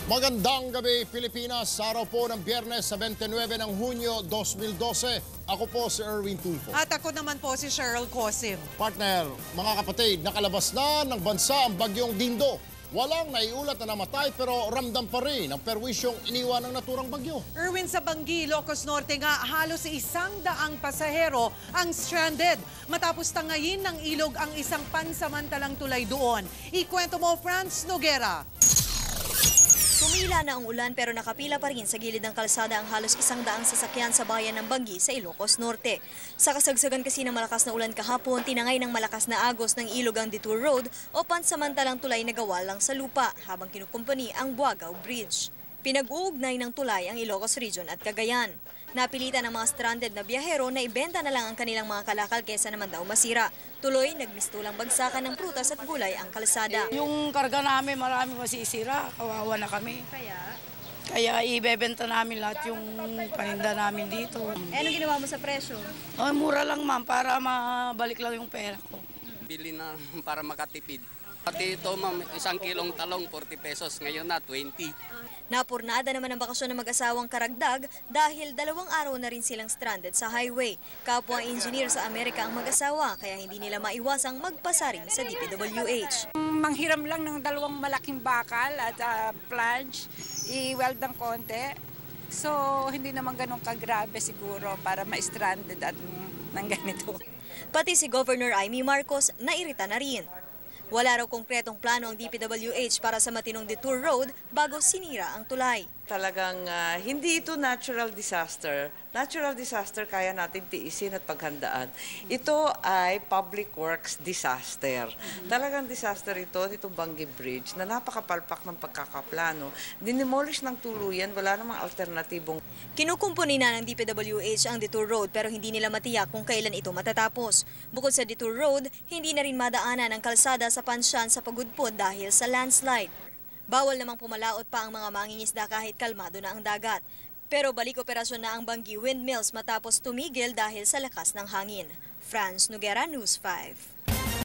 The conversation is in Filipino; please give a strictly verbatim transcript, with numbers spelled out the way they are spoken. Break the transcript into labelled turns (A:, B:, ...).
A: Magandang gabi, Pilipinas. Sa araw po ng Biyernes sa twenty-nine ng Hunyo twenty twelve. Ako po si Erwin Tulfo.
B: At ako naman po si Cheryl Cosim.
A: Partner, mga kapatid, nakalabas na ng bansa ang bagyong Dindo. Walang naiulat na namatay pero ramdam pa rin ang perwisyong iniwan ng naturang bagyo.
B: Erwin, sa Banggi, Ilocos Norte nga, halos isang daang pasahero ang stranded. Matapos tangayin ng ilog ang isang pansamantalang tulay doon. Ikwento mo, Franz Noguera.
C: Tumila na ang ulan pero nakapila pa rin sa gilid ng kalsada ang halos isang daang sasakyan sa bayan ng Banggi sa Ilocos Norte. Sa kasagsagan kasi ng malakas na ulan kahapon, tinangay ng malakas na agos ng ilog ang Detour Road o pansamantalang tulay na gawa lang sa lupa habang kinukumpani ang Buagaw Bridge. Pinag-uugnay ng tulay ang Ilocos Region at Cagayan. Napilitan ng mga stranded na biyahero na ibenta na lang ang kanilang mga kalakal kesa naman daw masira. Tuloy, nagmistulang bagsakan ng prutas at gulay ang kalsada.
D: Yung karga namin marami masisira, kawawa na kami.
C: Kaya?
D: Kaya ibebenta namin lahat yung paninda namin dito.
C: Eh, anong ginawa mo sa presyo?
D: Oh, mura lang ma'am, para mabalik lang yung pera ko.
E: Bili na para makatipid. Pati ito ma'am, isang kilong talong, forty pesos. Ngayon na, twenty.
C: Napurnada naman ang bakasyon ng mag-asawang karagdag dahil dalawang araw na rin silang stranded sa highway. Kapwa engineer sa Amerika ang mag-asawa kaya hindi nila maiwasang magpasaring sa D P W H.
F: Manghiram lang ng dalawang malaking bakal at uh, planche, i-weld ng konti. So hindi naman ganun kagrabe siguro para ma-stranded at ng ganito.
C: Pati si Governor Amy Marcos nairita na rin. Wala raw konkretong plano ang D P W H para sa matinong Detour Road bago sinira ang tulay.
G: Talagang uh, hindi ito natural disaster. Natural disaster kaya natin tiisin at paghandaan. Ito ay public works disaster. Talagang disaster ito, itong Banggi Bridge na napakapalpak ng pagkakaplano. Dinemolish ng tuluyan, wala namang alternatibong.
C: Kinukumpuni na ng D P W H ang Detour Road pero hindi nila matiyak kung kailan ito matatapos. Bukod sa Detour Road, hindi na rin madaanan ang kalsada sa Pansyan sa Pagudpod dahil sa landslide. Bawal namang pumalaot pa ang mga mangingisda kahit kalmado na ang dagat. Pero balik operasyon na ang Banggi Windmills matapos tumigil dahil sa lakas ng hangin. Franz Noguera, News five.